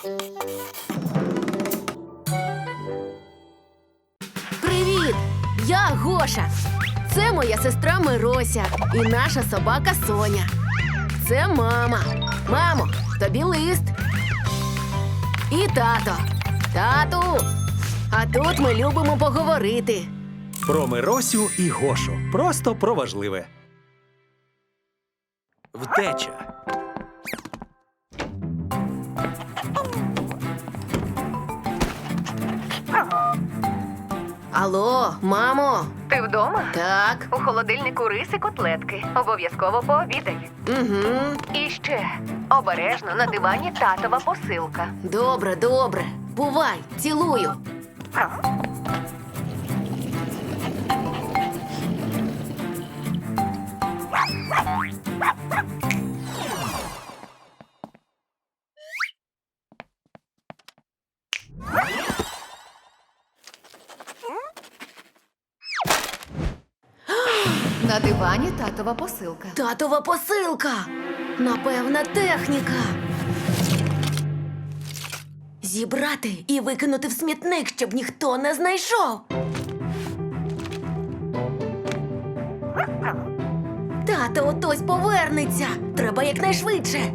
Привіт! Я Гоша. Це моя сестра Мирося і наша собака Соня. Це мама. Мамо, тобі лист. І тато. Тату! А тут ми любимо поговорити. Про Миросю і Гошу. Просто про важливе. Втеча. Алло, мамо. Ти вдома? Так. У холодильнику риси котлетки. Обов'язково пообідай. Угу. І ще обережно на дивані татова посилка. Добре, добре. Бувай, цілую. На дивані татова посилка. Татова посилка. Напевна техніка. Зібрати і викинути в смітник, щоб ніхто не знайшов. Тато отось повернеться. Треба якнайшвидше.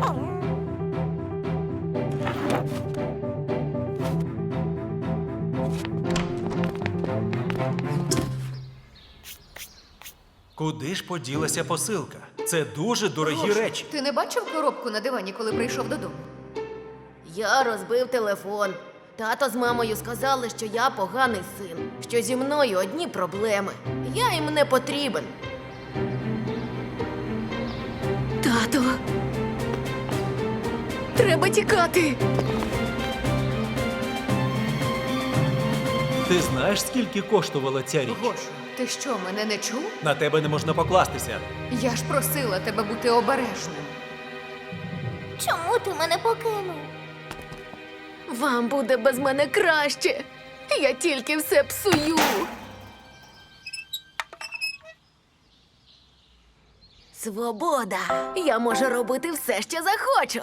Куди ж поділася посилка? Це дуже дорогі Гоша, речі. Ти не бачив коробку на дивані, коли прийшов додому? Я розбив телефон. Тато з мамою сказали, що я поганий син, що зі мною одні проблеми. Я їм не потрібен. Тато. Треба тікати. Ти знаєш, скільки коштувала ця річ? Гоша, ти що, мене не чув? На тебе не можна покластися. Я ж просила тебе бути обережним. Чому ти мене покинув? Вам буде без мене краще. Я тільки все псую. Свобода. Я можу робити все, що захочу.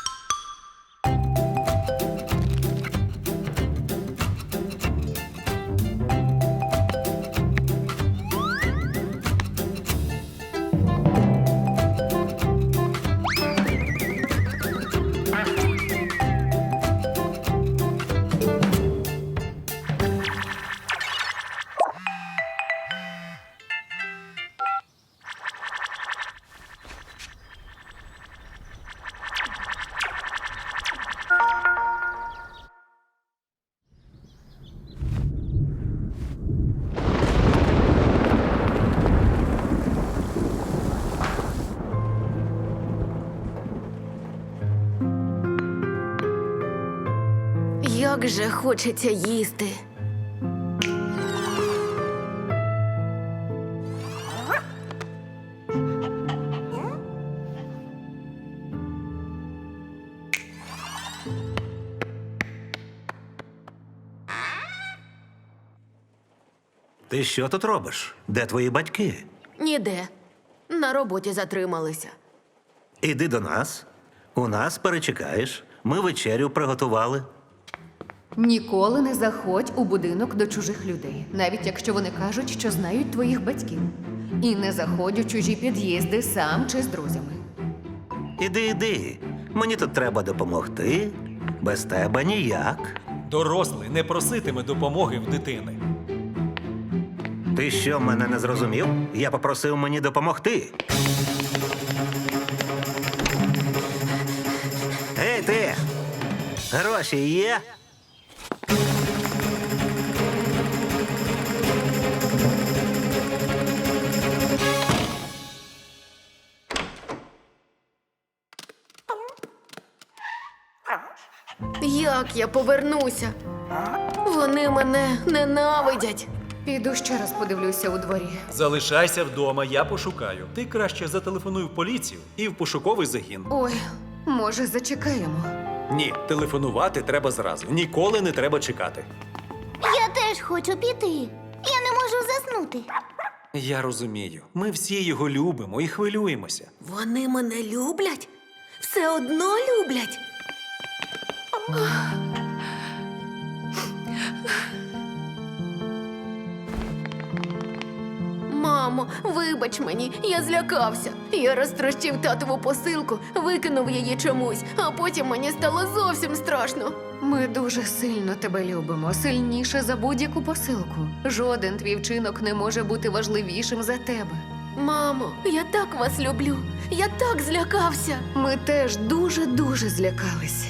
Як же хочеться їсти. Ти що тут робиш? Де твої батьки? Ніде. На роботі затрималися. Іди до нас. У нас перечекаєш. Ми вечерю приготували. Ніколи не заходь у будинок до чужих людей, навіть якщо вони кажуть, що знають твоїх батьків. І не заходь у чужі під'їзди сам чи з друзями. Іди. Мені тут треба допомогти. Без тебе ніяк. Дорослий не проситиме допомоги в дитини. Ти що, мене не зрозумів? Я попросив мені допомогти. Ей, ти! Гроші є? Як я повернуся? Вони мене ненавидять. Піду ще раз подивлюся у дворі. Залишайся вдома, я пошукаю. Ти краще зателефонуй в поліцію і в пошуковий загін. Ой, може, зачекаємо. Ні, телефонувати треба зразу. Ніколи не треба чекати. Я теж хочу піти. Я не можу заснути. Я розумію. Ми всі його любимо і хвилюємося. Вони мене люблять? Все одно люблять? Мамо, вибач мені, я злякався. Я розтрощив татову посилку, викинув її чомусь, а потім мені стало зовсім страшно. Ми дуже сильно тебе любимо, сильніше за будь-яку посилку. Жоден твій вчинок не може бути важливішим за тебе. Мамо, я так вас люблю. Я так злякався. Ми теж дуже злякалися.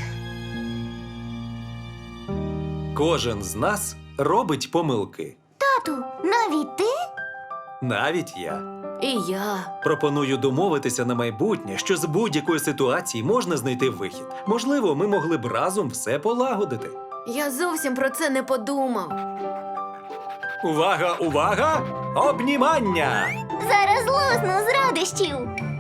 Кожен з нас робить помилки. Тату, навіть ти? Навіть я. І я. Пропоную домовитися на майбутнє, що з будь-якої ситуації можна знайти вихід. Можливо, ми могли б разом все полагодити. Я зовсім про це не подумав. Увага, увага! Обнімання! Зараз лусну з радощів.